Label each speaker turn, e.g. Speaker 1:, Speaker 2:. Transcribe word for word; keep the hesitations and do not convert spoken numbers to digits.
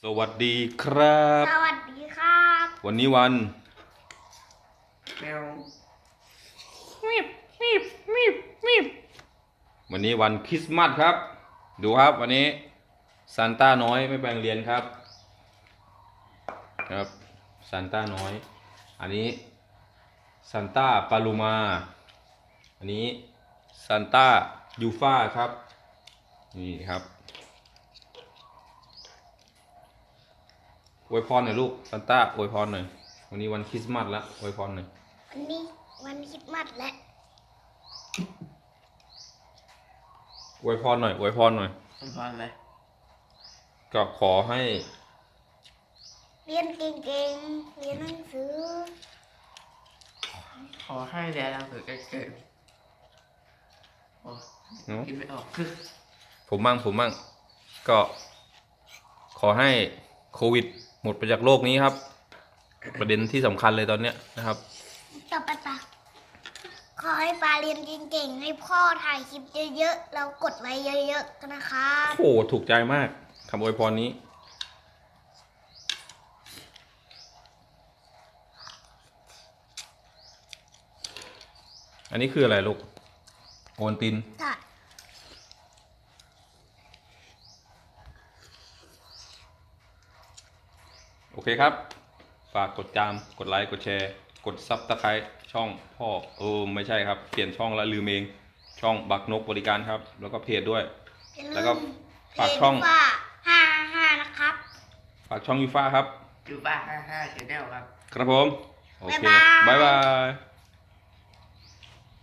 Speaker 1: วัสดีครับ
Speaker 2: สวัสดีครับ
Speaker 1: วันนี้วัน
Speaker 2: แมวมิบมิบมิบมิบ
Speaker 1: วันนี้วันคริสต์มาสครับดูครับวันนี้ซานต้าน้อยไม่ไปโรงเรียนครับครับซานต้าน้อยอันนี้ซานต้าปาลูมาอันนี้ซานต้ายูฟ่าครับนี่ครับอวยพรหน่อยลูกซานต้าอวยพรหน่อยวันนี้วันคริสต์มาสแล้วอวยพรหน่อย
Speaker 2: วันนี้วันคริสต์มาสและ
Speaker 1: อวยพรหน่อยอวยพรหน่อย
Speaker 3: อวยพรอะไร
Speaker 1: ก็ขอให้
Speaker 2: เรียนเก่งๆเรียนหนังสือ
Speaker 3: ขอให้เรียนหนังสือเก่งๆโอ้คิดไม่ออก
Speaker 1: ผมมั่งผมมั่งก็ขอให้โควิดหมดไปจากโลกนี้ครับประเด็นที่สำคัญเลยตอนเนี้ยนะครับ
Speaker 2: ต่อไปปะขอให้ปาเรียนเก่งๆให้พ่อถ่ายคลิปเยอะๆแล้วกดไลค์เยอะๆกันนะครับ
Speaker 1: โอ้ถูกใจมากคำอวยพรนี้อันนี้คืออะไรลูกโอนตินโอเคครับฝากกดจามกดไลค์กดแชร์กดซับสไครต์ช่องพ่อเออไม่ใช่ครับเปลี่ยนช่องแล้วลืมเองช่องบักนกบริการครับแล้วก็เพจด้วยแล้วก็ฝากช่อง
Speaker 2: ห้าห้านะครับ
Speaker 1: ฝากช่องยูฟ่าครับ
Speaker 3: ยูฟ่าห้าห้าชแนลครับ
Speaker 1: ครับผมโอเคบ๊ายบาย